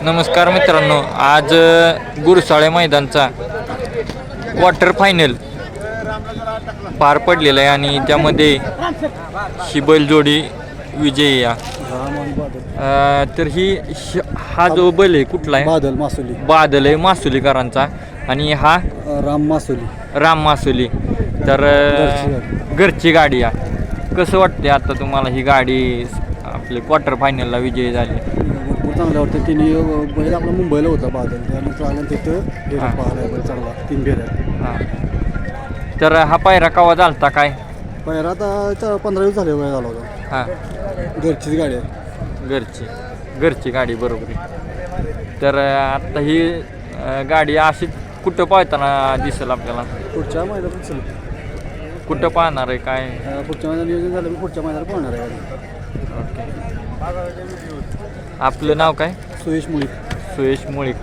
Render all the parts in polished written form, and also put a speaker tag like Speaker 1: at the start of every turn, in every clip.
Speaker 1: नमस्कार मित्रांनो, आज गुरसाळे मैदानचा क्वार्टर फायनल पार पडलेला आहे आणि त्यामध्ये ही बैलजोडी विजयी तर हा जो बैल आहे कुठला आहे? बादल आहे मासुलीकरांचा आणि हा राम मासुली तर घरची गाडी आहे. कसं वाटते आता तुम्हाला ही गाडी आपली क्वार्टर फायनलला विजयी झाली?
Speaker 2: चांगलं वाटतं. तिने बैल आपला मुंबईला होता बादल, त्यानंतर आलं तिथं पाहिला बैल चांगला 3 फेऱ्यात.
Speaker 1: हां, तर हा पायरा कवा झालता काय?
Speaker 2: पायरा आता 15 दिवस झाले वेळ झाला होता.
Speaker 1: हां,
Speaker 2: घरचीच गाडी आहे.
Speaker 1: घरची गाडी बरोबर आहे. तर आता ही गाडी अशी कुठं पाहताना दिसेल आपल्याला?
Speaker 2: पुढच्या मैदानात चल
Speaker 1: कुठं पाहणार आहे काय?
Speaker 2: पुढच्या मैदानात नियोजन झालं मी पुढच्या मैदानात पाहणार आहे गाडी.
Speaker 1: आपलं नाव काय?
Speaker 2: सुयश
Speaker 1: मुळीक.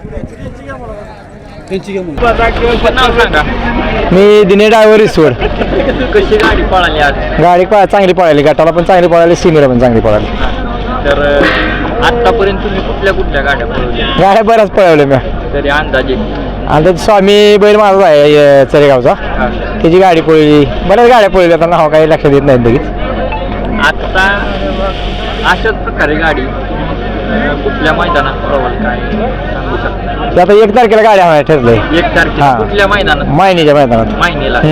Speaker 2: त्यांची
Speaker 1: नाव सांगा.
Speaker 3: मी दिने ड्रायव्हर रिसवड.
Speaker 1: कशी गाडी पळाली आज?
Speaker 3: गाडी चांगली पळाली, गटाला पण चांगली पळाली, सिमीला पण चांगली पळाली.
Speaker 1: तर आतापर्यंत तुम्ही कुठल्या गाड्या पळवल्या?
Speaker 3: गाड्या बऱ्याच पळवल्या मी.
Speaker 1: तरी अंदाजे?
Speaker 3: आणि स्वामी बैल माझा आहे चरेगावचा, त्याची गाडी पळली. बऱ्याच गाड्या पळवल्या, आता नाव काही लक्षात येत नाहीत लगेच.
Speaker 1: आता अशाच प्रकारे गाडी कुठल्या मैदानात पळवाल काय सांगू शकता?
Speaker 3: आता 1 तारखेला गाडी आणायला ठरलंय.
Speaker 1: 1 तारखेला कुठल्या मैदानात?
Speaker 3: मायनीच्या मैदानात.
Speaker 1: मायनीला.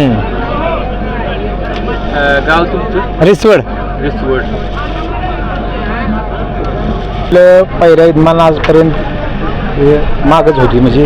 Speaker 1: गाव तुमचं?
Speaker 3: रिसवड. आपलं पहिल्या इदमान आजपर्यंत मागच होती, म्हणजे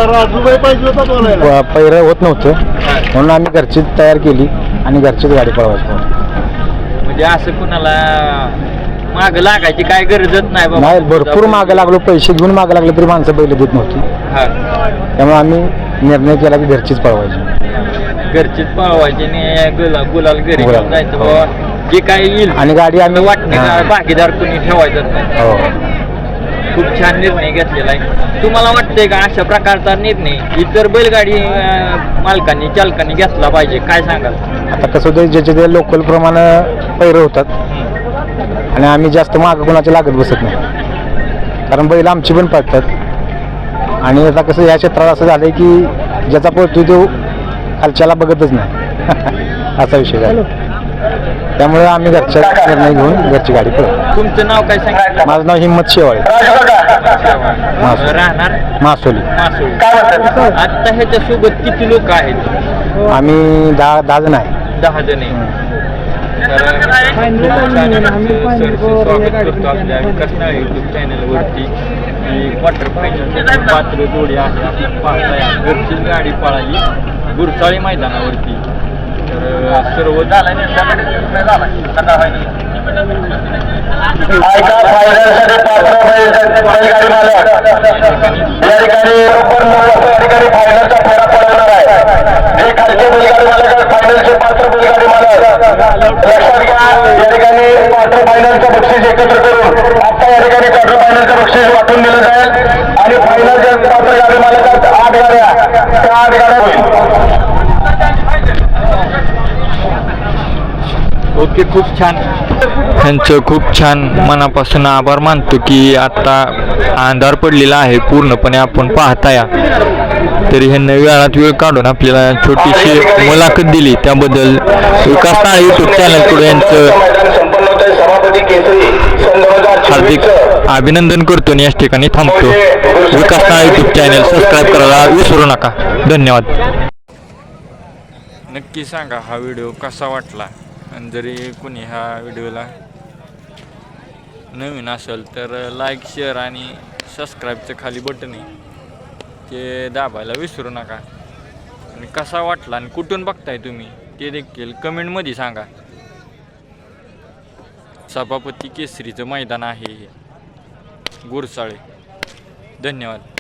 Speaker 3: पहिरं होत नव्हतं, म्हणून आम्ही घरचीच तयार केली आणि घरचीच गाडी पळवायची.
Speaker 1: म्हणजे असं कुणाला मागं लागायची काय गरजच नाही बाबा?
Speaker 3: नाही, भरपूर मागं लागलो, पैसे घेऊन मागं लागले तरी माणसं बैल देत नव्हती. त्यामुळे आम्ही निर्णय केला की घरचीच
Speaker 1: घरचीच पळवायची आणि गुलाल घरी घेऊन जायचं बाबा. जे काय येईल
Speaker 3: आणि गाडी आम्ही
Speaker 1: वाटणे भागीदार कुणी ठेवायचं नाही. खूप छान निर्णय घेतलेला आहे. तुम्हाला वाटतंय का अशा प्रकारचा निर्णय इतर बैलगाडी मालकांनी चालकांनी घेतला पाहिजे? काय सांगाल?
Speaker 3: आता कसं होतं, ज्याचे ते लोकल प्रमाणे पैरं होतात आणि आम्ही जास्त मागं कोणाच्या लागत बसत नाही, कारण बैल आमची पण पळतात. आणि आता कसं या क्षेत्रात असं झालंय की ज्याचा पळतोय तो खालच्याला बघतच नाही असा विषय झाला. त्यामुळे आम्ही घरच्या निर्णय घेऊन घरची गाडी पळतो.
Speaker 1: तुमचं नाव काय सांगितलं?
Speaker 3: माझं नाव हिम्मत शेवाळे,
Speaker 1: राहणार
Speaker 3: मासोली.
Speaker 1: आता ह्याच्यासोबत किती लोक आहेत?
Speaker 3: आम्ही 10 जण आहे.
Speaker 1: 10 जण आहे. स्वागत करतो आपल्या विकासनाळ यूट्यूब चॅनलवरती. क्वार्टर फायनल पात्र जोडी आहे आपण पाहताय. घरचीच गाडी पळाली गुरसाळे मैदानावरती. तर सर्व
Speaker 4: बक्षीस एकत्र करून आता या ठिकाणी क्वार्टर फायनलचं बक्षीस वाटून दिलं जाईल आणि फायनलच्या क्वार्टर गाडी मालकात 8 गाड्या, त्या 8 गाड्या होईल.
Speaker 1: ओके, खूप छान. त्यांचं खूप छान मनापासून आभार मानतो की आता अंधार पडलेला आहे पूर्णपणे आपण पाहताय. तरी ह्यांना वेळात वेळ काढून आपल्याला छोटीशी मुलाखत दिली, त्याबद्दल विकासनाळ यूट्यूब चॅनलकडून यांचं हार्दिक अभिनंदन करतो आणि याच ठिकाणी थांबतो. विकासनाळ यूट्यूब चॅनल सबस्क्राईब करायला विसरू नका. धन्यवाद. नक्की सांगा हा व्हिडिओ कसा वाटला, आणि जरी कोणी ह्या व्हिडिओला नवीन असेल तर लाईक, शेअर आणि सबस्क्राईबचं खाली बटन आहे ते दाबायला विसरू नका. आणि कसा वाटला आणि कुठून बघताय तुम्ही ते देखील कमेंटमध्ये सांगा. सभापती केसरीचं मैदान आहे हे गुरसाळे. धन्यवाद.